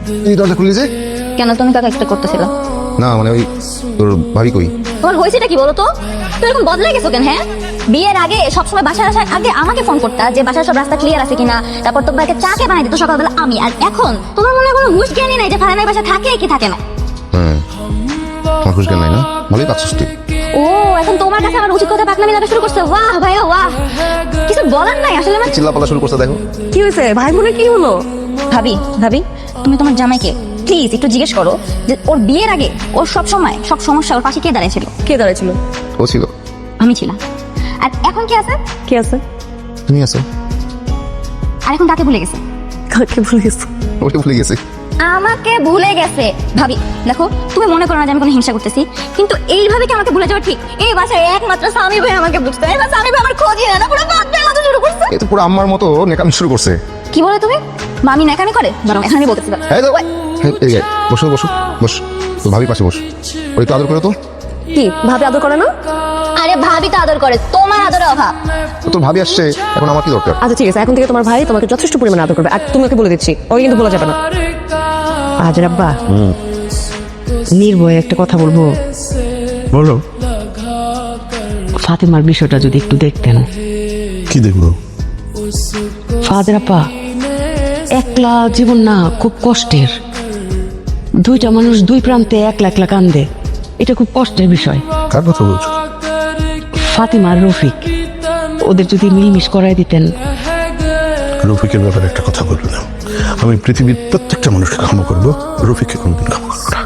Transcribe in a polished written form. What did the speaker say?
তুই দরজা খুললি যে? কেন তুমি কাকে এক্সপেক্ট করতেছিল? না মানে ওই তোর ভাবি কই? তোমার হয়েছেটা কি বলো তো? তুমি এরকম বদলে গেছো কেন? হ্যাঁ, বিয়ের আগে সবসময় বাসায় আসার আগে আমাকে ফোন করতা যে বাসার সব রাস্তা ক্লিয়ার আছে কিনা, তারপর তোমাকে চাকে বানাই দিত সকালবেলা আমি। আর এখন তোমার মনে হয় কোনো হুঁশ জ্ঞানই নাই যে ফারানের বাসা থাকে কি থাকে না। হ্যাঁ, আমার খুশ জ্ঞান নাই না, ভালোই পাচ্ছিস তুই। ও এখন তোমার কাছে আমার উচিত কথা পাকনামি লাগা শুরু করছে। বাহ ভাই বাহ, কিছু বলার নাই আসলে। আমার চিল্লাপাল্লা শুরু করছে দেখো। কি হয়েছে ভাই বোনের কি হলো? ভাবি ভাবি, তুমি তোমার জামাইকে প্লিজ একটু জিজ্ঞেস করো যে ওর বিয়ের আগে ওর সব সময় সব সমস্যা ওর পাশে কে দাঁড়িয়েছিল? কে দাঁড়াইছিল? ও ছিল। আমি ছিলাম। আর এখন কি আছে? কে আছে? তুমি আছো। আর এখন কাকে ভুলে গেছে? কাকে ভুলে গেছো? ওকে ভুলে গেছি। আমাকে ভুলে গেছে। ভাবি দেখো, তুমি মনে করো না যে আমি কোনো হিংসা করতেছি, কিন্তু এইভাবে কি আমাকে ভুলে যাওয়া ঠিক? এই বাসায় একমাত্র স্বামী ভাই আমাকে বুঝতে, এই স্বামী ভাই আমার খোঁজই না, পুরো বাচ্চার মতো শুরু করছে। এ তো পুরো আম্মার মতো নেকামি শুরু করছে। কি বলে তুমি? মামি ন্যাকামি করে? বরং এখন আমি বলতেছি দাঁড়াও। এই তো, এই যে, বসো বসো বস, তো ভাবি পাশে বস, ওই তো আদর করে তো। কি ভাবে আদর করে না? আরে ভাবি তো আদর করে, তোমার আদরের অভাব। তো তোর ভাবি আসছে, এখন আমার কি দরকার? আচ্ছা ঠিক আছে, এখন থেকে তোমার ভাই তোমাকে যথেষ্ট পরিমাণে আদর করবে। আর তুমি ওকে বলে দিচ্ছি, ওকে কিন্তু বলা যাবে না। আজ রাব্বা নির্ভয়ে একটা কথা বলবো। বলো। ফাতেমার বিষয়টা যদি একটু দেখতেন। কি দেখবো? ফাদের আপা, একলা জীবন না খুব কষ্টের। দুইটা মানুষ দুই প্রান্তে একলা একলা কান্দে, এটা খুব কষ্টের বিষয়। কার কথা বলছো? ফাতিমা আর রফিক, ওদের যদি মিলমিশ করাই দিতেন। রফিকের ব্যাপারে একটা কথা বলবো না, আমি পৃথিবীর প্রত্যেকটা মানুষকে ক্ষমা করবো, রফিককে কোনোদিন ক্ষমা করবো না।